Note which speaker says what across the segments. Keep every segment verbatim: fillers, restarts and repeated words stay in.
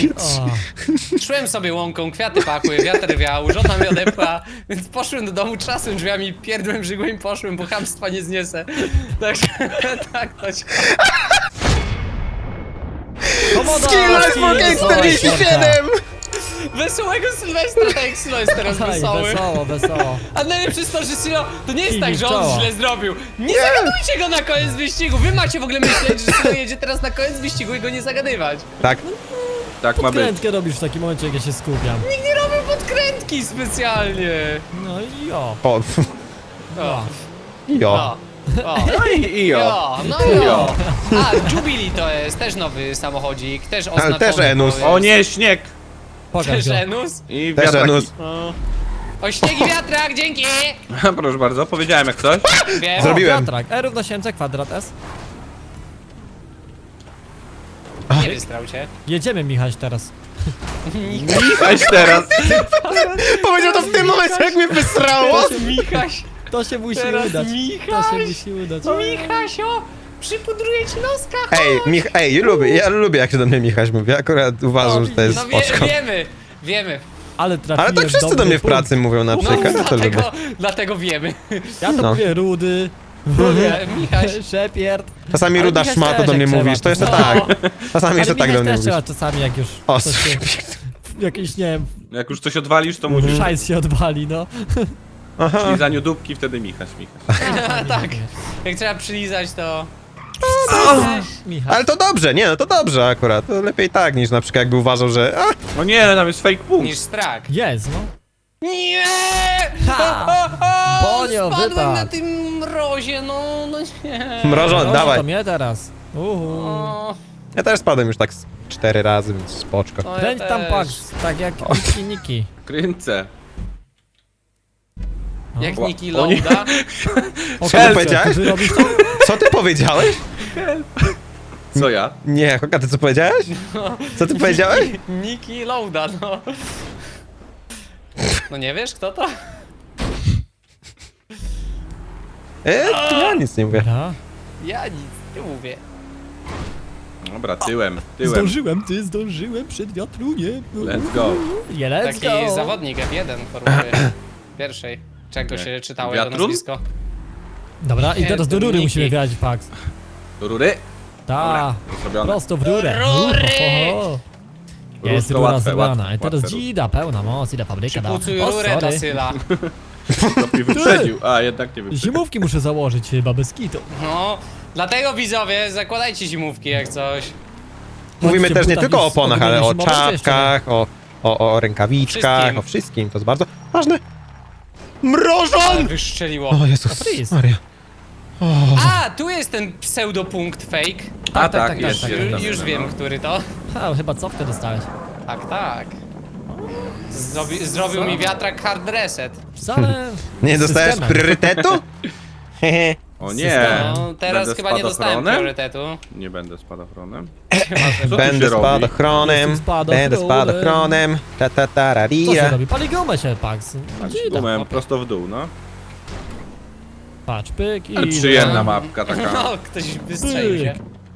Speaker 1: O,
Speaker 2: Szłem sobie łąką, kwiaty pakły, wiatr wiał, żona mnie odepła, więc poszłem do domu, trzasłem drzwiami, pierdłem żygłem i poszłem, bo chamstwa nie zniesę. Także tak to się...
Speaker 1: komodo!
Speaker 3: Skill Life for Game czterdzieści siedem!
Speaker 2: Wesołego Sylwestra, tak jak Sylo jest teraz
Speaker 1: Aj,
Speaker 2: wesoły.
Speaker 1: wesoło, wesoło.
Speaker 2: A najlepsze jest to, że Sylo, to nie jest
Speaker 1: Kij
Speaker 2: tak,
Speaker 1: mi w
Speaker 2: że on
Speaker 1: czoło.
Speaker 2: źle zrobił. Nie zagadujcie go na koniec wyścigu, wy macie w ogóle myśleć, że Sylo jedzie teraz na koniec wyścigu i go nie zagadywać.
Speaker 3: Tak.
Speaker 4: Tak ma być.
Speaker 1: Podkrętkę robisz w takim momencie, jak ja się skupiam.
Speaker 2: Nikt nie robił podkrętki specjalnie.
Speaker 1: No i jo.
Speaker 3: O,
Speaker 2: O,
Speaker 3: jo.
Speaker 2: o, o.
Speaker 4: No i, i jo.
Speaker 2: Jo, no jo. A, Jubilee to jest też nowy samochodzik, też oznaczony.
Speaker 3: też Enus.
Speaker 2: bo jest-
Speaker 4: O nie, śnieg!
Speaker 1: Pokaż
Speaker 2: Też
Speaker 1: go.
Speaker 2: Enus?
Speaker 4: I
Speaker 3: Też
Speaker 4: wiatraki.
Speaker 3: Enus.
Speaker 2: O. O, śnieg i wiatrak, dzięki!
Speaker 4: Proszę bardzo, powiedziałem jak coś.
Speaker 2: Wiem.
Speaker 3: Zrobiłem.
Speaker 1: Wiatrak, E równa się mc kwadrat S.
Speaker 2: Nie wystrał cię.
Speaker 1: Jedziemy, Michał, teraz.
Speaker 4: Weź teraz.
Speaker 3: Powiedział to w tym momencie, jak mnie wysrało!
Speaker 2: Michaś,
Speaker 1: To się musi
Speaker 2: teraz
Speaker 1: udać. To
Speaker 2: Michaś.
Speaker 1: się musi udać.
Speaker 2: Michasio, przypudruję ci noska.
Speaker 3: Ej, Mich ej, ja lubię, ja lubię jak się do mnie Michaś mówi, akurat uważam, że to jest
Speaker 2: No wie,
Speaker 3: spoczko.
Speaker 2: wiemy, wiemy.
Speaker 1: Ale trafiłem
Speaker 3: Ale tak
Speaker 1: w
Speaker 3: wszyscy do
Speaker 1: dobry
Speaker 3: mnie w
Speaker 1: punkt.
Speaker 3: pracy mówią na
Speaker 2: No,
Speaker 3: przykład, ja to lubię.
Speaker 2: dlatego, dlatego wiemy.
Speaker 1: Ja to
Speaker 3: No.
Speaker 1: mówię rudy.
Speaker 2: Mówię, Michaś.
Speaker 1: Szepierd.
Speaker 3: Czasami
Speaker 1: Ale
Speaker 3: ruda
Speaker 1: Michał
Speaker 3: szmato
Speaker 1: też
Speaker 3: do mnie
Speaker 1: jak
Speaker 3: mówisz,
Speaker 1: trzeba,
Speaker 3: to jeszcze
Speaker 2: no.
Speaker 3: tak. Czasami
Speaker 1: Ale
Speaker 3: jeszcze tak do
Speaker 1: Michał
Speaker 3: mnie
Speaker 1: też
Speaker 3: mówisz.
Speaker 1: trzeba czasami, jak już
Speaker 3: O,
Speaker 1: coś się, jakiś, nie wiem,
Speaker 4: Jak już coś odwalisz, to musisz.
Speaker 1: szajs się odwali, no.
Speaker 3: aha.
Speaker 4: W lizaniu dupki, wtedy Michaś, Michaś.
Speaker 2: Tak, jak trzeba przylizać to...
Speaker 1: Michał.
Speaker 3: Ale to dobrze, nie no to dobrze akurat. To lepiej tak niż na przykład jakby uważał, że a,
Speaker 4: O nie, tam jest fake punkt.
Speaker 2: niż strak.
Speaker 1: Jest, no.
Speaker 2: Nie!
Speaker 1: Ha!
Speaker 2: O, o, o,
Speaker 1: Bonio,
Speaker 2: spadłem
Speaker 1: wypadł.
Speaker 2: na tym mrozie, no, no nie.
Speaker 3: mrożon,
Speaker 1: No,
Speaker 3: dawaj.
Speaker 1: to mnie teraz. Uhu.
Speaker 2: O,
Speaker 3: Ja też spadłem już tak z cztery razy, więc spoczko.
Speaker 2: to ja
Speaker 1: Kręć tam
Speaker 2: też.
Speaker 1: Pax, tak jak Niki Niki.
Speaker 4: Kręcę.
Speaker 2: Jak
Speaker 4: O,
Speaker 2: Niki
Speaker 4: o nie.
Speaker 2: Lauda.
Speaker 1: O,
Speaker 3: Co
Speaker 1: kurczę,
Speaker 3: powiedziałeś?
Speaker 1: Ty robisz to?
Speaker 3: Co ty powiedziałeś?
Speaker 4: Co ja?
Speaker 3: Nie, Hoka, ty co powiedziałeś? Co ty powiedziałeś?
Speaker 2: Niki Lauda, no. No nie wiesz kto to?
Speaker 3: E, ja nic nie mówię.
Speaker 1: Dobra.
Speaker 2: Ja nic nie mówię.
Speaker 4: Dobra, tyłem, tyłem.
Speaker 1: Zdążyłem, ty zdążyłem przed wiatru, nie?
Speaker 4: Let's go.
Speaker 1: Nie, let's
Speaker 2: Taki
Speaker 1: go.
Speaker 2: zawodnik F jeden formuły pierwszej. Czego
Speaker 4: Nie.
Speaker 2: się czytało jego
Speaker 4: Wiatrun?
Speaker 2: nazwisko?
Speaker 1: Dobra, i
Speaker 2: Nie,
Speaker 1: teraz do
Speaker 2: to
Speaker 1: rury
Speaker 2: Niki.
Speaker 1: musimy wjechać, Pax.
Speaker 4: Do rury?
Speaker 1: Ta,
Speaker 4: Zrobione.
Speaker 1: prosto w rurę.
Speaker 2: Rury!
Speaker 1: Uhoho. Jest
Speaker 4: to
Speaker 1: rura
Speaker 4: łatwe,
Speaker 1: zebrana.
Speaker 4: łatwe,
Speaker 1: I teraz
Speaker 4: łatwe
Speaker 1: dzida, pełna moc, ile fabryka dała.
Speaker 2: Pucuj
Speaker 1: O,
Speaker 2: rurę do
Speaker 1: sorry.
Speaker 2: Syla.
Speaker 4: To mnie wyprzedził. A, jednak nie wyprzedził.
Speaker 1: Zimówki muszę założyć chyba bez kitu.
Speaker 2: No, dlatego widzowie, zakładajcie zimówki jak coś.
Speaker 3: Mówimy
Speaker 1: Chodźcie,
Speaker 3: też nie
Speaker 1: bo tam
Speaker 3: tylko o
Speaker 1: jest
Speaker 3: oponach, ale o
Speaker 1: ogólnie zimowe jeszcze,
Speaker 3: czapkach, o, o, o rękawiczkach,
Speaker 2: Wszystkim.
Speaker 3: o wszystkim. To jest bardzo ważne. Mrożon!
Speaker 2: Wyszczeliło.
Speaker 3: O Jezus
Speaker 1: Freeze.
Speaker 3: Maria.
Speaker 2: A, tu jest ten pseudopunkt fake.
Speaker 4: A
Speaker 1: tak,
Speaker 4: tak,
Speaker 1: tak,
Speaker 4: jest,
Speaker 1: tak,
Speaker 4: jest.
Speaker 2: Ju-
Speaker 4: tam,
Speaker 2: Już
Speaker 4: no.
Speaker 2: wiem, który to.
Speaker 1: A, chyba cofkę dostałeś.
Speaker 2: Tak, tak. Zrobi, zrobił mi wiatrak hard reset.
Speaker 1: Wcale...
Speaker 3: Nie dostajesz
Speaker 1: systemem.
Speaker 3: priorytetu? Hehe.
Speaker 4: O
Speaker 1: System.
Speaker 4: nie.
Speaker 2: No, teraz
Speaker 4: Będę
Speaker 2: chyba nie dostałem
Speaker 4: spadochronem?
Speaker 2: priorytetu.
Speaker 4: Nie będę spadochronem. Co tu
Speaker 3: Będę
Speaker 4: się robi?
Speaker 3: spadochronem,
Speaker 1: Jestem spadochronem.
Speaker 3: będę spadochronem, ta ta ta
Speaker 1: Co się
Speaker 3: rarira.
Speaker 1: robi? Pali gumę się, Pax.
Speaker 4: Tak,
Speaker 1: Dzida.
Speaker 4: gumę prosto w dół, no.
Speaker 1: Patrz, pyk i...
Speaker 4: Ale przyjemna mapka taka.
Speaker 2: No, ktoś wystrzelił się.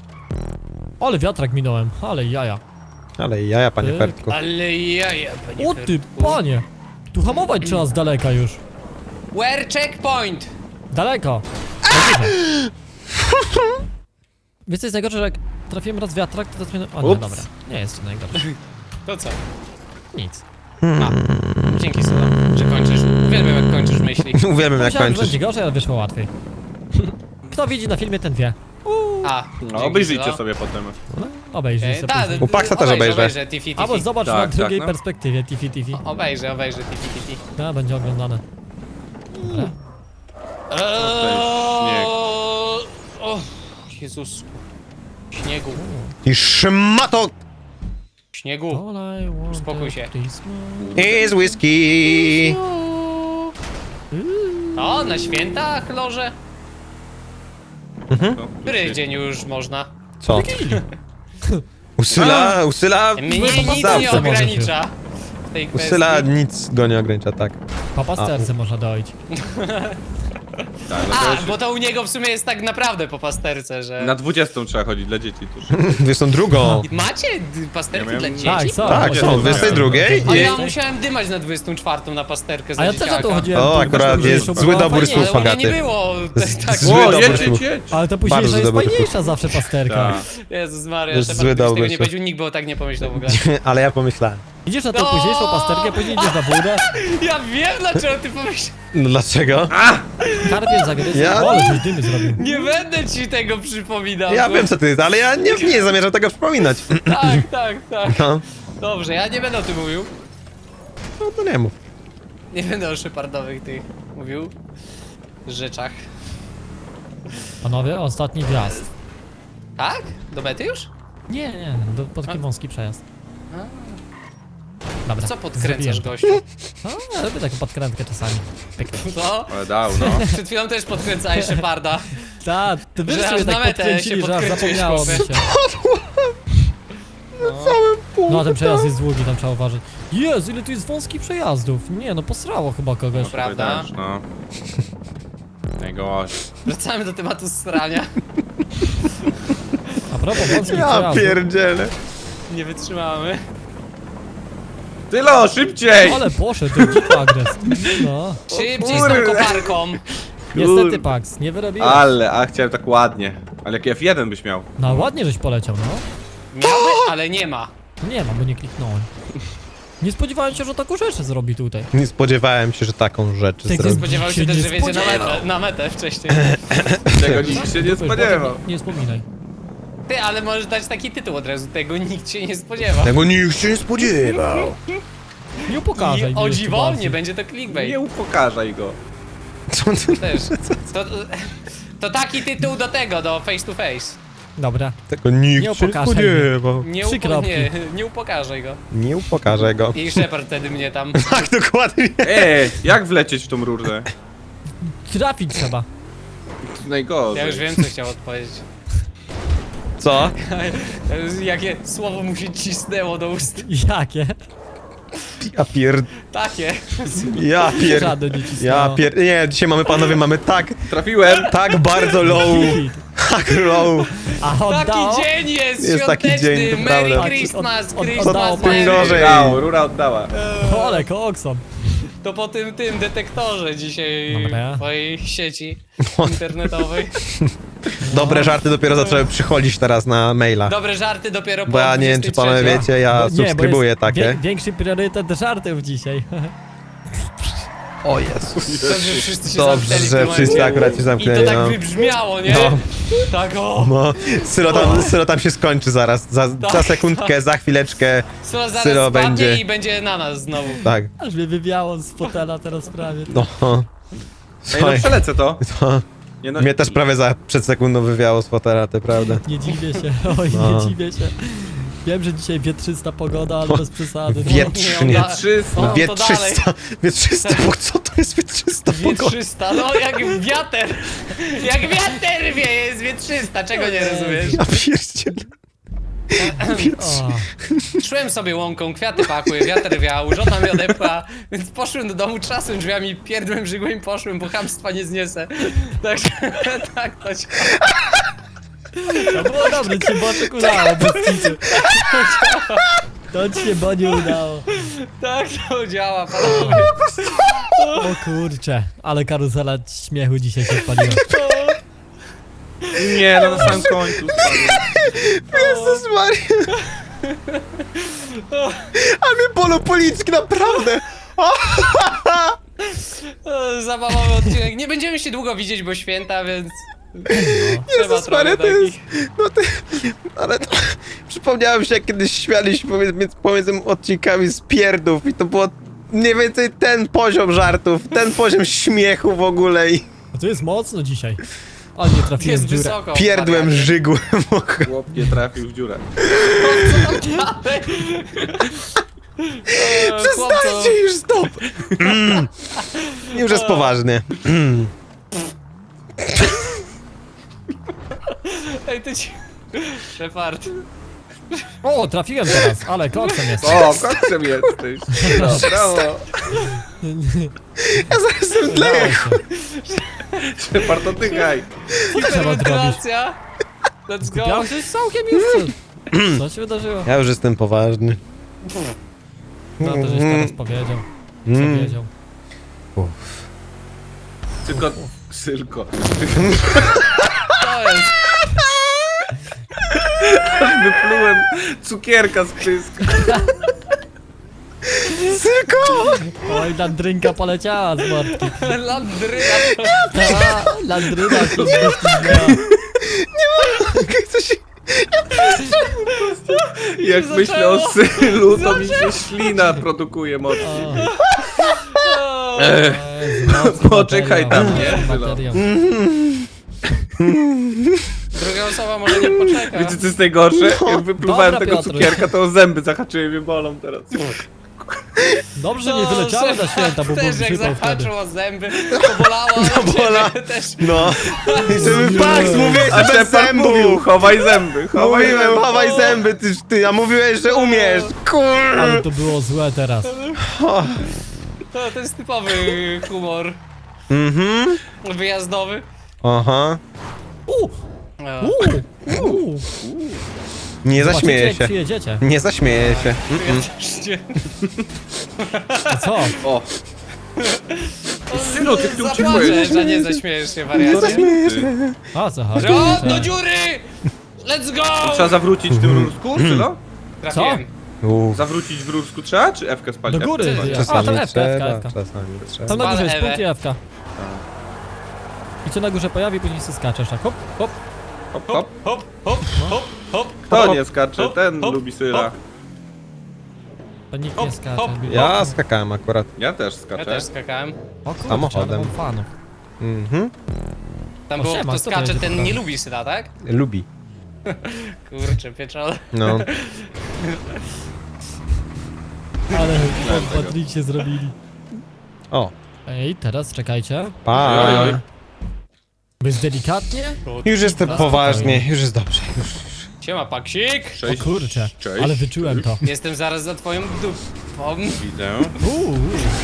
Speaker 1: Ale wiatrak minąłem, ale jaja.
Speaker 3: Ale jaja, panie
Speaker 1: Ty.
Speaker 3: Fertku.
Speaker 2: Ale jaja, panie
Speaker 1: O ty,
Speaker 2: Fertku.
Speaker 1: panie! Tu hamować trzeba z daleka już.
Speaker 2: Where checkpoint?
Speaker 1: Daleko. Za dużo. Wiesz co jest najgorsze, że jak trafiłem raz w wiatrak, to teraz mnie... O nie,
Speaker 4: Ups.
Speaker 1: dobra. Nie jest to najgorsze.
Speaker 2: To co?
Speaker 1: Nic.
Speaker 2: A, dzięki Sylo, że kończysz. Uwielbiam jak kończysz myśli.
Speaker 3: Uwielbiam jak
Speaker 1: Myślałem, że
Speaker 3: kończysz.
Speaker 1: będzie gorzej, ale wyszło łatwiej. Kto widzi na filmie, ten wie.
Speaker 2: A,
Speaker 4: No,
Speaker 2: dzięki,
Speaker 4: obejrzyjcie
Speaker 2: Sylo.
Speaker 4: sobie potem.
Speaker 1: Obejrzyj
Speaker 2: Okej,
Speaker 1: sobie.
Speaker 2: tak,
Speaker 1: później.
Speaker 3: U Paxa też obejrzę.
Speaker 2: Obejrzę, tifi, tifi.
Speaker 1: Albo zobacz
Speaker 4: Tak,
Speaker 1: na
Speaker 4: tak,
Speaker 1: drugiej
Speaker 4: no.
Speaker 1: perspektywie, tifi tifi.
Speaker 2: Obejrzę, obejrzę, tifi, tifi.
Speaker 1: No, będzie oglądane. Dobra.
Speaker 4: śnieg.
Speaker 2: O, Jezus. Śniegu.
Speaker 3: I szmato
Speaker 2: Śniegu.
Speaker 1: All I want
Speaker 2: Uspokój
Speaker 1: is
Speaker 2: się.
Speaker 1: Christmas.
Speaker 3: is whisky.
Speaker 2: O, na święta, Chlorze?
Speaker 4: No,
Speaker 2: Który dzień już można?
Speaker 3: Co? Usyla, usyla,
Speaker 2: Mnie nic nie
Speaker 3: zawsze może.
Speaker 2: ogranicza w tej kwestii.
Speaker 3: Usyla nic go nie ogranicza, tak.
Speaker 1: Po pasterce można dojść.
Speaker 4: Tak, no to
Speaker 2: A,
Speaker 4: już
Speaker 2: bo to u niego w sumie jest tak naprawdę po pasterce, że...
Speaker 4: na dwudziestą trzeba chodzić dla dzieci tuż.
Speaker 3: dwudziestą drugą.
Speaker 2: Macie d- pasterki
Speaker 4: Ja
Speaker 2: dla
Speaker 4: miałem-
Speaker 2: dzieci?
Speaker 1: Tak, są.
Speaker 3: Tak, są, dwudziestej drugiej
Speaker 2: A
Speaker 3: i...
Speaker 2: ja musiałem dymać na dwudziestą czwartą na pasterkę za
Speaker 1: A ja też o
Speaker 2: dzieciaka.
Speaker 1: to chodziłem.
Speaker 3: O,
Speaker 1: tu,
Speaker 3: akurat
Speaker 1: masz
Speaker 3: jest
Speaker 1: późniejszą,
Speaker 3: zły
Speaker 1: była
Speaker 3: dobór
Speaker 1: fajniejsza.
Speaker 3: słów,
Speaker 2: Ale u mnie nie
Speaker 3: Agaty.
Speaker 2: było
Speaker 3: Z-
Speaker 2: tak...
Speaker 3: zły
Speaker 4: O,
Speaker 3: dobór
Speaker 4: jedź,
Speaker 3: słów.
Speaker 4: jedź, jedź.
Speaker 1: Ale to
Speaker 3: Bardzo
Speaker 1: późniejsza jest
Speaker 3: dobry
Speaker 1: fajniejsza zawsze pasterka.
Speaker 4: Tak.
Speaker 2: Jezus Maria,
Speaker 3: To jest
Speaker 2: Shepard,
Speaker 3: zły
Speaker 2: gdybyś tego
Speaker 3: dobór
Speaker 2: nie
Speaker 3: słów.
Speaker 2: powiedział, nikt by o tak nie pomyślał w ogóle.
Speaker 3: Ale ja pomyślałem.
Speaker 1: Idziesz na tą
Speaker 2: No!
Speaker 1: późniejszą pasterkę, później idziesz na wódę,
Speaker 2: Ja wiem, dlaczego ty pomyślałeś.
Speaker 3: No dlaczego?
Speaker 1: karpiesz zagryzł,
Speaker 3: Ja-
Speaker 1: o, ale żeś dymy zrobił.
Speaker 2: Nie będę ci tego przypominał.
Speaker 3: Ja
Speaker 2: bo-
Speaker 3: wiem co ty jest, ale ja nie, nie zamierzam tego przypominać.
Speaker 2: Tak, tak, tak.
Speaker 3: No,
Speaker 2: Dobrze, ja nie będę o tym mówił.
Speaker 3: no to nie mów.
Speaker 2: Nie będę o Shepardowych tych mówił rzeczach.
Speaker 1: Panowie, ostatni wjazd.
Speaker 2: Tak? Do mety już?
Speaker 1: Nie, nie, do, po taki wąski przejazd. Dobra,
Speaker 2: Co podkręcasz,
Speaker 1: zrobiłem to.
Speaker 2: gościu?
Speaker 1: No, ja robię taką podkrętkę czasami. Pyknę.
Speaker 2: No,
Speaker 4: Ale dał, no.
Speaker 2: przed chwilą też podkręcałeś Sheparda.
Speaker 1: Tak, ty wy
Speaker 2: Że
Speaker 1: sobie
Speaker 2: aż na
Speaker 1: tak
Speaker 2: metę
Speaker 1: podkręcili,
Speaker 2: się
Speaker 1: że aż
Speaker 2: podkręciłeś,
Speaker 1: zapomniało mi
Speaker 2: chłopie.
Speaker 1: się. No, a ten przejazd jest długi, tam trzeba uważać. Jezu, ile tu jest wąskich przejazdów. Nie, no posrało chyba kogoś.
Speaker 2: Prawda?
Speaker 4: Też, no. Najgorzej.
Speaker 2: Wracamy do tematu strania.
Speaker 1: A propos wąskich
Speaker 3: Ja
Speaker 1: przejazdów.
Speaker 3: pierdzielę.
Speaker 2: Nie wytrzymamy.
Speaker 4: Tylo, szybciej!
Speaker 1: Ale poszedł, to dziko agres. No.
Speaker 2: Szybciej z tą koparką.
Speaker 1: Niestety, Pax, nie wyrobiłeś.
Speaker 4: Ale, a chciałem tak ładnie. Ale jak F jeden byś miał.
Speaker 1: No ładnie żeś poleciał, no.
Speaker 2: Miałby, ale nie ma.
Speaker 1: Nie ma, bo nie kliknąłem. Nie spodziewałem się, że taką rzecz zrobi tutaj.
Speaker 3: Nie spodziewałem się, że taką rzecz
Speaker 1: Ty, ty
Speaker 3: zrobi.
Speaker 2: Spodziewał się
Speaker 1: się
Speaker 2: też,
Speaker 1: nie
Speaker 2: że wiedzie na
Speaker 1: spodziewał.
Speaker 2: metę, na metę wcześniej.
Speaker 4: Tego nikt się nie
Speaker 1: Dupy,
Speaker 4: spodziewał.
Speaker 1: potem Nie, nie wspominaj.
Speaker 2: Ty, ale możesz dać taki tytuł od razu, tego nikt się nie spodziewa.
Speaker 3: Tego nikt się nie spodziewał.
Speaker 1: Nie upokarzaj
Speaker 2: I
Speaker 1: mnie
Speaker 2: o
Speaker 1: jeszcze
Speaker 2: dziwo,
Speaker 1: bardziej.
Speaker 2: nie będzie to clickbait.
Speaker 4: Nie upokarzaj go.
Speaker 3: Co ty?
Speaker 2: Też. To, to taki tytuł do tego, do face to face.
Speaker 1: Dobra.
Speaker 3: Tego nikt
Speaker 1: Nie
Speaker 3: się nie
Speaker 1: upokarzaj
Speaker 3: spodziewał.
Speaker 2: Nie,
Speaker 1: Trzy
Speaker 2: upo
Speaker 1: kropki.
Speaker 2: nie, nie upokarzaj go.
Speaker 3: Nie upokarzę go.
Speaker 2: I Shepard wtedy mnie tam.
Speaker 3: Tak, dokładnie.
Speaker 4: Ej, jak wlecieć w tą rurę?
Speaker 1: Trafić trzeba.
Speaker 4: To najgorzej.
Speaker 2: Ja już wiem, co chciał odpowiedzieć.
Speaker 3: Co?
Speaker 2: Jakie słowo mu się cisnęło do ust.
Speaker 1: Jakie?
Speaker 3: Ja pier...
Speaker 2: Takie.
Speaker 3: Ja pier...
Speaker 1: Żadne nie cisnęło.
Speaker 3: Ja pier... Nie, dzisiaj mamy panowie, mamy tak,
Speaker 4: Trafiłem!
Speaker 3: tak bardzo low,
Speaker 1: Hit.
Speaker 3: tak low.
Speaker 1: A
Speaker 2: Taki
Speaker 1: oddało?
Speaker 2: dzień jest,
Speaker 3: Jest taki
Speaker 2: świąteczny.
Speaker 3: dzień, to
Speaker 2: Merry
Speaker 3: prawda.
Speaker 2: Christmas,
Speaker 1: Od- od-
Speaker 2: Christmas,
Speaker 1: oddało
Speaker 3: tym
Speaker 2: Merry.
Speaker 3: gorzej.
Speaker 4: Oddało, rura oddała.
Speaker 1: Ole, koksom.
Speaker 2: To po tym, tym detektorze dzisiaj
Speaker 1: Dobra.
Speaker 2: twojej sieci internetowej.
Speaker 3: Dobre żarty dopiero zaczęły przychodzić teraz na maila.
Speaker 2: Dobre żarty dopiero po
Speaker 3: Bo ja nie wiem, czy panowie
Speaker 2: dwudziestej
Speaker 3: wiecie, ja
Speaker 1: Bo- nie, bo
Speaker 3: subskrybuję
Speaker 1: jest
Speaker 3: takie.
Speaker 1: Wie, większy priorytet żartów dzisiaj.
Speaker 3: O Jezus.
Speaker 2: trzeciej. Dobrze, że wszyscy się
Speaker 3: Dobrze,
Speaker 2: zamknęli w
Speaker 3: że
Speaker 2: tym
Speaker 3: wszyscy
Speaker 2: momencie.
Speaker 3: akurat się
Speaker 2: I to
Speaker 3: zamknęli,
Speaker 2: tak
Speaker 3: no.
Speaker 2: wybrzmiało, nie?
Speaker 3: No.
Speaker 2: Tak o!
Speaker 3: No, Sylo tam, Sylo tam się skończy zaraz. Za, za
Speaker 2: Tak,
Speaker 3: sekundkę, za chwileczkę.
Speaker 2: Sylo zaraz
Speaker 3: Sylo
Speaker 2: spadnie
Speaker 3: będzie.
Speaker 2: i będzie na nas znowu.
Speaker 3: Tak,
Speaker 1: Aż mnie wywiało z fotela teraz prawie.
Speaker 3: no.
Speaker 4: Ej, no
Speaker 3: Słuchaj,
Speaker 4: przelecę to.
Speaker 3: to
Speaker 4: Nie, no,
Speaker 3: mnie też prawie za przed sekundą wywiało z fotela, to prawda.
Speaker 1: Nie dziwię się, oj,
Speaker 3: No.
Speaker 1: nie dziwię się. Wiem, że dzisiaj wietrzysta pogoda, ale bez przesady. No.
Speaker 3: Wietrzynie.
Speaker 2: Nie, on da-
Speaker 4: trzysta.
Speaker 2: on to
Speaker 3: Wietrzysta, wietrzysta, bo co to jest wietrzysta pogoda?
Speaker 2: Wietrzysta, no jak wiater! Jak wiater wie, jest wietrzysta, czego nie rozumiesz?
Speaker 3: Ja pierdzielę.
Speaker 1: O,
Speaker 2: Szłem sobie łąką, kwiaty pakły, wiatr wiał, żona mnie odepła, więc poszłem do domu, trzasłem drzwiami, pierdłem żygłem i poszłem, bo chamstwa nie zniesę. Także tak to się...
Speaker 1: to było dobre, ci się boczek udało, bez kitu. To ci się bo nie udało.
Speaker 2: Tak to działa, panowie.
Speaker 1: O kurcze, ale karuzela śmiechu dzisiaj się odpaliła.
Speaker 4: Nie, no na samym końcu spadłem.
Speaker 3: Jezus Maria. A mnie bolą policzki, naprawdę.
Speaker 2: E, Zabawowy odcinek. Nie będziemy się długo widzieć, bo święta, więc... Trzeba
Speaker 3: Jezus Maria,
Speaker 2: trochę
Speaker 3: to jest...
Speaker 2: takich...
Speaker 3: No to... Ale to... Przypomniałem się, jak kiedyś śmialiśmy pomiędzy, pomiędzy odcinkami z pierdów i to było mniej więcej ten poziom żartów, ten poziom śmiechu w ogóle i
Speaker 1: A to jest mocno dzisiaj. O, nie trafiłem
Speaker 2: Jest
Speaker 1: w dziurę.
Speaker 2: wysoko.
Speaker 3: pierdłem,
Speaker 2: wariacie.
Speaker 3: żygłem.
Speaker 4: Chłop nie trafił w dziurę.
Speaker 2: dalej? E, chłopco,
Speaker 3: Przestańcie już, stop! Mm. Już jest poważnie.
Speaker 2: Ej, ty ci... Shepard.
Speaker 1: O, trafiłem teraz, ale koksem jest.
Speaker 4: O, koksem jesteś. No, brawo.
Speaker 3: Ja zaraz zemdleję.
Speaker 1: Udało się.
Speaker 4: Shepard, oddychaj.
Speaker 1: Co trzeba zrobić?
Speaker 2: Hiperwentylacja. Let's go.
Speaker 1: Ja coś całkiem już. Co- Co się wydarzyło?
Speaker 3: Ja już jestem poważny.
Speaker 1: No to żeś teraz powiedział. Co
Speaker 3: Mm.
Speaker 1: wiedział.
Speaker 4: Tylko, tylko.
Speaker 2: To jest.
Speaker 4: Wyplułem cukierka z pyska.
Speaker 3: Tylko!
Speaker 1: Oj, landrynka poleciała z mordki.
Speaker 2: Landryna.
Speaker 1: Ta, landryna się wyślizgnęła.
Speaker 3: Coś...
Speaker 4: Jak
Speaker 2: się
Speaker 4: myślę o
Speaker 2: zaczęło?
Speaker 4: sylu, to mi się ślina produkuje mocno.
Speaker 1: O,
Speaker 4: Ech,
Speaker 1: Jezu, mocny
Speaker 4: poczekaj
Speaker 1: materiał,
Speaker 4: tam, nie?
Speaker 1: mocny materiał.
Speaker 2: Druga osoba może nie poczeka.
Speaker 4: Wiecie co jest najgorsze? Jak wypluwałem
Speaker 1: Dobra,
Speaker 4: tego
Speaker 1: Piotruś.
Speaker 4: cukierka, to zęby zahaczyły mnie bolą teraz.
Speaker 1: Dobrze nie wyleciały na święta, bo
Speaker 2: też jak
Speaker 1: wysypał wtedy.
Speaker 2: zahaczył o zęby, to bolało, ale
Speaker 3: bola.
Speaker 2: ciebie też.
Speaker 3: No. I żeby Pax, mówiłeś,
Speaker 4: A
Speaker 3: że bez
Speaker 4: Shepard mówił,
Speaker 3: zębów.
Speaker 4: chowaj zęby, chowaj
Speaker 3: Mówiłem,
Speaker 4: zęby.
Speaker 3: chowaj zęby, ty, ty, a mówiłeś, że umiesz.
Speaker 1: Ale
Speaker 3: Kur...
Speaker 1: to było złe teraz.
Speaker 2: To, to jest typowy humor
Speaker 3: Mhm.
Speaker 2: wyjazdowy.
Speaker 3: Aha.
Speaker 1: U,
Speaker 2: O,
Speaker 1: u, u.
Speaker 3: Nie
Speaker 1: Zobaczycie,
Speaker 3: zaśmieję
Speaker 1: jak
Speaker 3: się.
Speaker 1: przyjedziecie.
Speaker 3: Nie zaśmieję się.
Speaker 2: ja też nie.
Speaker 1: A co?
Speaker 4: O, Synu, ty tu
Speaker 2: Zapłaczę,
Speaker 4: uciekłeś.
Speaker 2: że nie zaśmiejesz się, wariacie.
Speaker 4: Ty.
Speaker 1: A co chodzi?
Speaker 2: Że o, do dziury! Let's go!
Speaker 4: Trzeba zawrócić w tym różku, Sylo?
Speaker 2: Trafiłem.
Speaker 3: Uff.
Speaker 4: Zawrócić w różku trzeba, czy F-kę spalić?
Speaker 1: Do góry.
Speaker 4: F-kę spalić?
Speaker 1: Ja-
Speaker 3: Czasami
Speaker 1: A, to F-ka,
Speaker 3: trzeba,
Speaker 1: F-ka, F-ka.
Speaker 3: czasami trzeba.
Speaker 1: Tam na górze jest
Speaker 2: Ewę.
Speaker 1: punkt i F-ka. I co na górze pojawi, później się skaczesz tak hop, hop.
Speaker 4: Hop, hop.
Speaker 2: Hop, hop, hop, hop.
Speaker 4: Kto nie skacze?
Speaker 2: hop,
Speaker 4: Ten
Speaker 2: hop,
Speaker 4: lubi Syla.
Speaker 2: hop.
Speaker 1: To nikt
Speaker 2: Hop,
Speaker 1: nie skacze.
Speaker 2: hop.
Speaker 3: Ja skakałem akurat.
Speaker 4: Ja też
Speaker 2: Ja
Speaker 4: skaczę.
Speaker 2: też skakałem.
Speaker 1: O kurczę,
Speaker 3: Samochodem.
Speaker 1: ale mam fanów.
Speaker 3: Mhm.
Speaker 2: Tam
Speaker 1: O,
Speaker 2: było,
Speaker 1: siema,
Speaker 2: kto
Speaker 1: kto to
Speaker 2: skacze,
Speaker 1: jedzie
Speaker 2: ten
Speaker 1: po
Speaker 2: nie
Speaker 1: prawo?
Speaker 2: lubi syna, tak?
Speaker 3: Lubi.
Speaker 2: Kurczę, pieczone.
Speaker 3: No.
Speaker 1: Ale Patryk się zrobili.
Speaker 3: O.
Speaker 1: Ej, teraz czekajcie.
Speaker 3: Pa.
Speaker 4: Oj, oj.
Speaker 1: Być delikatnie?
Speaker 3: Już jestem
Speaker 1: Teraz
Speaker 3: poważnie, już jest dobrze. Już.
Speaker 2: Siema, paksik!
Speaker 1: O
Speaker 4: Cześć.
Speaker 1: kurczę,
Speaker 4: Cześć.
Speaker 1: ale wyczułem to.
Speaker 2: Jestem zaraz za twoją dupą.
Speaker 4: Widzę.
Speaker 1: Uuu,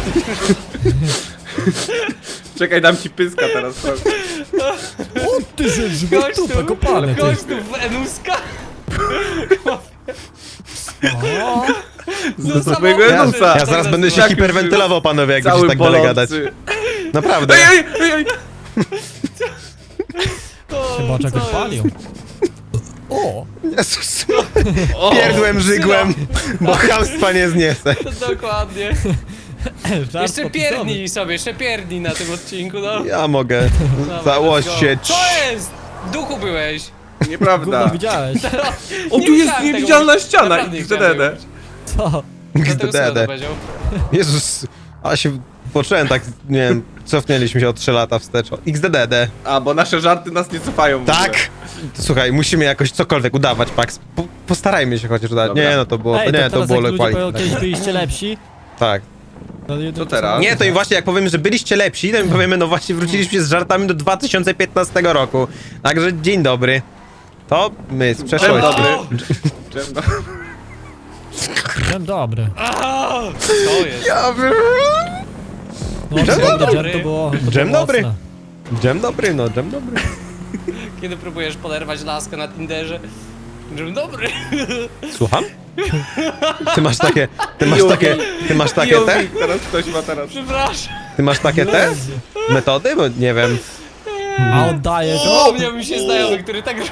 Speaker 4: Czekaj, dam ci pyska teraz. chodź.
Speaker 1: o ty że
Speaker 2: Gość
Speaker 1: żywot tupę
Speaker 2: tu,
Speaker 1: kopany ty.
Speaker 2: gość tu Wenuska.
Speaker 1: O,
Speaker 2: Do
Speaker 4: Z mojego Enusa.
Speaker 3: Ja zaraz będę się
Speaker 4: Tak już
Speaker 3: hiperwentylował, panowie, jak
Speaker 4: Cały
Speaker 3: będziecie tak dalej gadać.
Speaker 4: bolący.
Speaker 3: Naprawdę.
Speaker 4: Ej, ej, ej, ej.
Speaker 1: chyba czegoś palił. O,
Speaker 3: Jezus.
Speaker 4: O,
Speaker 3: Pierdłem, żygłem, bo chamstwa nie zniesę.
Speaker 2: Dokładnie.
Speaker 1: żart
Speaker 2: Jeszcze
Speaker 1: popisowy.
Speaker 2: pierdnij sobie, jeszcze pierdnij na tym odcinku, no.
Speaker 3: Ja mogę.
Speaker 2: Dobra,
Speaker 3: Założ
Speaker 2: let's go.
Speaker 3: się.
Speaker 2: Co jest? W duchu byłeś.
Speaker 1: Gówno
Speaker 4: Nieprawda.
Speaker 1: widziałeś.
Speaker 4: O,
Speaker 2: Nie
Speaker 4: tu jest
Speaker 2: widziałem tego
Speaker 4: niewidzialna
Speaker 2: mówić.
Speaker 4: ściana.
Speaker 2: Naprawdę nie chciałem tego
Speaker 4: X D D.
Speaker 2: mówić.
Speaker 1: Co?
Speaker 2: Dlatego sobie to
Speaker 3: X D D.
Speaker 2: powiedział.
Speaker 3: Jezus. A się poczułem tak, nie wiem, cofnęliśmy się o trzy lata wstecz. O, X D D D.
Speaker 4: A, bo nasze żarty nas nie cofają w ogóle.
Speaker 3: Tak! Słuchaj, musimy jakoś cokolwiek udawać, Pax. Po, postarajmy się chociaż udać.
Speaker 4: Dobra.
Speaker 3: Nie, no to było,
Speaker 1: Ej,
Speaker 3: to, nie, to
Speaker 1: teraz
Speaker 3: było
Speaker 1: jak ludzie
Speaker 3: quality.
Speaker 1: powiedzą, kiedyś byliście lepsi.
Speaker 3: Tak.
Speaker 1: To,
Speaker 4: Co teraz?
Speaker 3: Nie, to im właśnie jak powiemy, że byliście lepsi, to im powiemy, no właśnie wróciliśmy z żartami do dwa tysiące piętnastego roku. Także dzień dobry. To my z
Speaker 4: Dzień
Speaker 3: przeszłości.
Speaker 4: dobry. Dzień dobry.
Speaker 1: Dzień dobry.
Speaker 2: A, to jest.
Speaker 3: Ja bym...
Speaker 1: No,
Speaker 3: Dzień
Speaker 1: dżem
Speaker 2: dobry.
Speaker 1: to było, to było
Speaker 3: Dzień dobry.
Speaker 1: mocne.
Speaker 3: Dzień dobry, no, dzień dobry.
Speaker 2: Kiedy próbujesz poderwać laskę na Tinderze. Dzień dobry.
Speaker 3: Słucham? Ty masz takie, ty masz takie, ty masz takie te?
Speaker 4: Jowik, teraz ktoś ma teraz.
Speaker 2: Przepraszam.
Speaker 3: Ty masz takie te? Metody? Bo nie wiem.
Speaker 1: A oddaję to?
Speaker 2: Przypomniał mi się znajomy, który tak robi.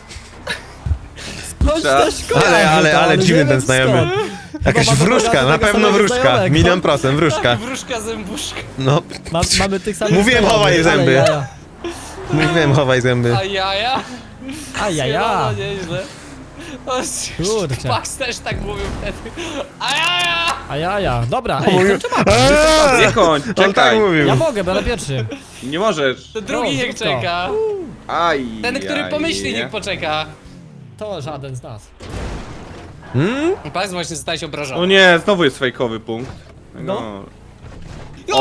Speaker 1: Skądś
Speaker 4: Trzeba-
Speaker 1: też kojarzę
Speaker 3: Ale, ale,
Speaker 1: to,
Speaker 3: ale
Speaker 1: nie
Speaker 3: dziwny
Speaker 1: wiem
Speaker 3: ten znajomy.
Speaker 1: skąd.
Speaker 3: Jakaś
Speaker 1: Chyba mamy
Speaker 3: wróżka,
Speaker 1: tego
Speaker 3: na pewno
Speaker 1: samego
Speaker 3: wróżka.
Speaker 1: znajomego.
Speaker 3: Milion procent wróżka.
Speaker 2: Wróżka zębuszka.
Speaker 3: No,
Speaker 1: Ma, mamy tych samych
Speaker 3: Mówiłem,
Speaker 1: znajomych,
Speaker 3: chowaj
Speaker 1: ale
Speaker 3: zęby.
Speaker 1: jaja.
Speaker 3: mówiłem, chowaj zęby.
Speaker 2: A jaja?
Speaker 1: A ja, ja.
Speaker 2: No, nieźle. O,
Speaker 1: Kurczę.
Speaker 2: Pax też tak mówił wtedy. A jaja!
Speaker 1: A ja, ja. Dobra, ej,
Speaker 3: Mówił-
Speaker 1: kończę mapę.
Speaker 3: Eee!
Speaker 4: Nie kończ,
Speaker 3: On tak
Speaker 4: czekaj.
Speaker 3: mówił.
Speaker 1: Ja mogę, będę pierwszy.
Speaker 4: Nie możesz.
Speaker 2: To drugi
Speaker 1: No,
Speaker 2: niech
Speaker 1: zrób to.
Speaker 2: czeka.
Speaker 4: Aj.
Speaker 2: Ten, który
Speaker 4: aj,
Speaker 2: pomyśli,
Speaker 4: nie.
Speaker 2: niech poczeka.
Speaker 1: To żaden z nas.
Speaker 3: Hmm?
Speaker 2: Pax właśnie zostałeś
Speaker 4: O
Speaker 2: obrażony.
Speaker 4: nie, znowu jest fejkowy punkt.
Speaker 1: No.
Speaker 4: No.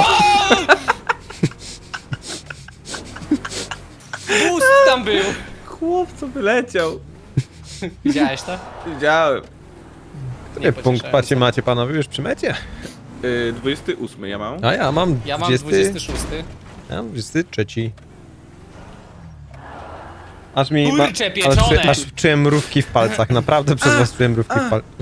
Speaker 2: Boost tam był.
Speaker 4: Chłopco wyleciał.
Speaker 2: Widziałeś to?
Speaker 4: Widziałem.
Speaker 3: Który punkt
Speaker 2: pocieszałem
Speaker 3: macie,
Speaker 2: się.
Speaker 3: macie panowie już przy mecie?
Speaker 4: Yy, dwudziesty ósmy ja mam.
Speaker 3: A ja mam
Speaker 2: Ja mam
Speaker 3: dwudziesty,
Speaker 2: dwudziesty szósty.
Speaker 3: ja mam dwudziesty trzeci. Aż mi...
Speaker 2: Kurcze
Speaker 3: ale
Speaker 2: pieczone!
Speaker 3: czuję, aż czułem mrówki w palcach, naprawdę przez was czułem mrówki w palcach.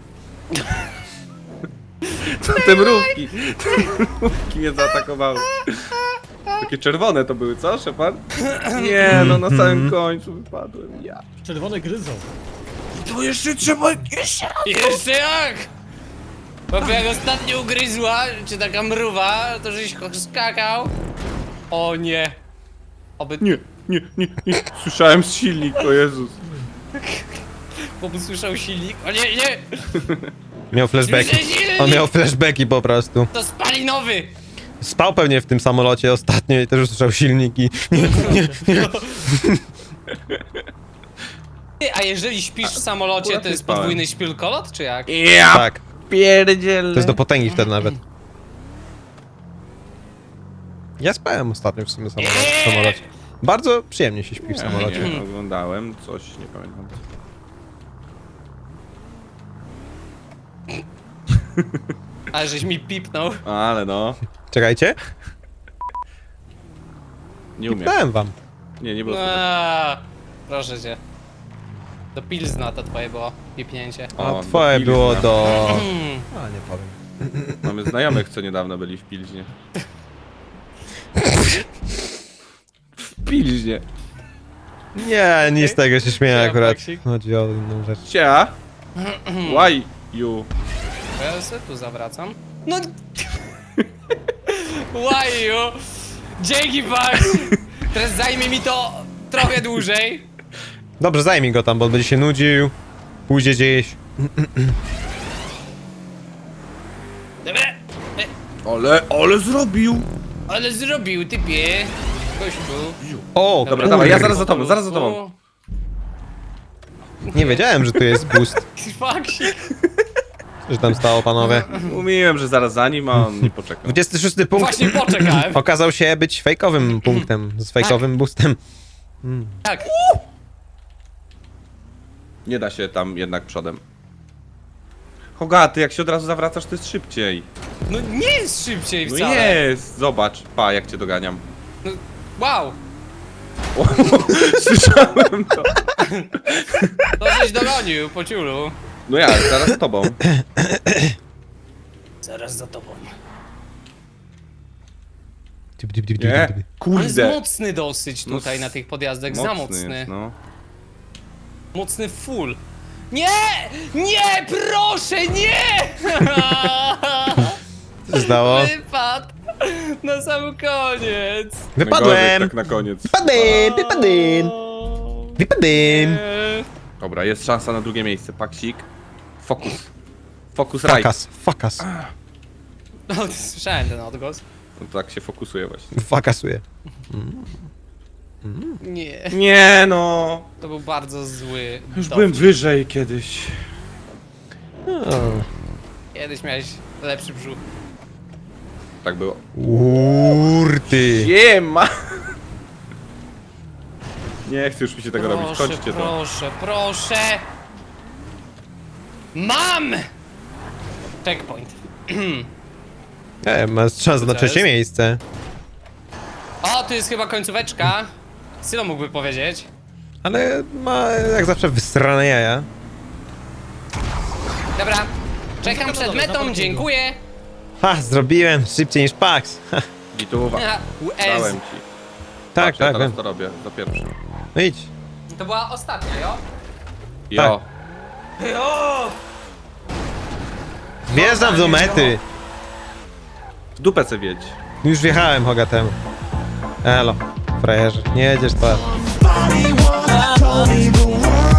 Speaker 4: Co te mrówki? Te mrówki mnie zaatakowały. Takie czerwone to były, co, Szepard? Nie, no na samym końcu wypadłem. Ja.
Speaker 1: Czerwone gryzą.
Speaker 4: To jeszcze trzeba... Jeszcze!
Speaker 2: Jeszcze jak? Bo jak ostatnio ugryzła, czy taka mruwa, to żeś skakał. O nie. Oby...
Speaker 4: Nie, nie, nie, nie. Słyszałem z silnik, o Jezus.
Speaker 2: Bo usłyszał silnik. O nie, nie!
Speaker 3: Miał flashbacki.
Speaker 2: Słyszę silnik!
Speaker 3: On miał flashbacki po prostu.
Speaker 2: To spalinowy!
Speaker 3: Spał pewnie w tym samolocie ostatnio i też usłyszał silniki. Nie, nie, nie.
Speaker 2: Ty, a jeżeli śpisz w samolocie,
Speaker 4: akurat
Speaker 2: to
Speaker 4: nie
Speaker 2: jest
Speaker 4: spałem.
Speaker 2: podwójny śpilkolot, czy jak?
Speaker 4: Ja
Speaker 3: Tak,
Speaker 4: pierdzielę.
Speaker 3: to jest do potęgi wtedy nawet. Ja spałem ostatnio w sumie w samolocie. W samolocie. Bardzo przyjemnie się śpi w samolocie.
Speaker 4: Nie, oglądałem coś, nie pamiętam.
Speaker 2: Ale żeś mi pipnął.
Speaker 4: Ale no,
Speaker 3: Czekajcie,
Speaker 4: nie umiem.
Speaker 3: dałem wam.
Speaker 4: Nie, nie było słychać.
Speaker 2: Eee, proszę cię. Do Pilzna to twoje było pipnięcie.
Speaker 3: A
Speaker 4: O,
Speaker 3: twoje
Speaker 4: do
Speaker 3: było
Speaker 4: Pilzna.
Speaker 3: do...
Speaker 2: Mm.
Speaker 3: A, nie powiem.
Speaker 4: Mamy znajomych, co niedawno byli w Pilźnie. W Pilźnie.
Speaker 3: Nie, nie z tego się śmieję
Speaker 2: Ja,
Speaker 3: akurat.
Speaker 2: Maksik.
Speaker 3: Chodzi o inną rzecz.
Speaker 4: Cia? Why you?
Speaker 2: To ja sobie tu zawracam. No... Why you? Dzięki, Max! Teraz zajmie mi to trochę dłużej.
Speaker 3: Dobrze, zajmij go tam, bo on będzie się nudził. Pójdzie gdzieś.
Speaker 2: Dobra. E,
Speaker 4: Ale, ale zrobił!
Speaker 2: ale zrobił, typie. Kościół.
Speaker 3: O,
Speaker 4: Dobra, dawaj, ja zaraz za tobą, zaraz za tobą.
Speaker 3: nie wiedziałem, że tu jest boost.
Speaker 2: Faksik.
Speaker 3: Co się tam stało, panowie?
Speaker 4: Mówiłem, że zaraz za nim, a on nie poczekał.
Speaker 3: dwudziesty szósty punkt
Speaker 2: Właśnie poczekałem.
Speaker 3: okazał się być fejkowym punktem, z fejkowym boostem.
Speaker 2: Tak.
Speaker 4: Nie da się tam jednak przodem. Hogaty, jak się od razu zawracasz, to jest szybciej.
Speaker 2: No nie jest szybciej
Speaker 4: No
Speaker 2: wcale.
Speaker 4: jest! Zobacz, pa, jak cię doganiam.
Speaker 2: No, wow.
Speaker 4: O, słyszałem to.
Speaker 2: To żeś dogonił po ciulu.
Speaker 4: No ja, zaraz z tobą.
Speaker 2: Zaraz za tobą.
Speaker 4: Nie?
Speaker 2: On jest
Speaker 4: Kurde.
Speaker 2: mocny dosyć
Speaker 4: No
Speaker 2: tutaj
Speaker 4: s-
Speaker 2: na tych podjazdach, za mocny.
Speaker 4: jest, no.
Speaker 2: Mocny full. Nie! Nie! Proszę, nie!
Speaker 3: Co się stało?
Speaker 2: Wypadł! Na sam koniec!
Speaker 3: Wypadłem!
Speaker 4: Najgorzej, tak na koniec.
Speaker 3: Wypadłem! Wypadłem! Wypadłem!
Speaker 2: Eee,
Speaker 4: Dobra, jest szansa na drugie miejsce. Paksik. Fokus. Fokus right.
Speaker 3: Fakas, fakas.
Speaker 2: No, słyszałem ten odgłos.
Speaker 4: No tak się fokusuje właśnie.
Speaker 3: Fakasuje.
Speaker 2: Nie,
Speaker 4: Nie no.
Speaker 2: to był bardzo zły
Speaker 4: Już
Speaker 2: dowcip.
Speaker 4: byłem wyżej kiedyś.
Speaker 3: O.
Speaker 2: Kiedyś miałeś lepszy brzuch.
Speaker 4: Tak było.
Speaker 3: Urty.
Speaker 4: Siema! Nie chcę już mi się tego robić.
Speaker 2: Proszę,
Speaker 4: Kończcie to.
Speaker 2: proszę, proszę! Mam! Checkpoint.
Speaker 3: E, masz szansę na
Speaker 2: Co
Speaker 3: trzecie
Speaker 2: jest?
Speaker 3: miejsce.
Speaker 2: O, tu jest chyba końcóweczka. Sylo mógłby powiedzieć.
Speaker 3: Ale ma jak zawsze wysrane jaja.
Speaker 2: Dobra, czekam przed metą, dziękuję.
Speaker 3: Ha, zrobiłem szybciej niż Pax. Ha,
Speaker 4: Gituwa.
Speaker 2: Ez.
Speaker 4: Dałem ci.
Speaker 3: tak,
Speaker 4: Patrz, ja
Speaker 3: tak,
Speaker 4: teraz
Speaker 3: wiem.
Speaker 4: to robię. Za pierwszy.
Speaker 3: No idź.
Speaker 2: To była ostatnia, jo?
Speaker 4: Jo.
Speaker 2: Jo!
Speaker 3: Wjeżdżam do mety.
Speaker 4: W dupę se wiedź.
Speaker 3: Już wjechałem Hogatem. Elo, frajerze, nie jedziesz to.
Speaker 5: Body once told me the world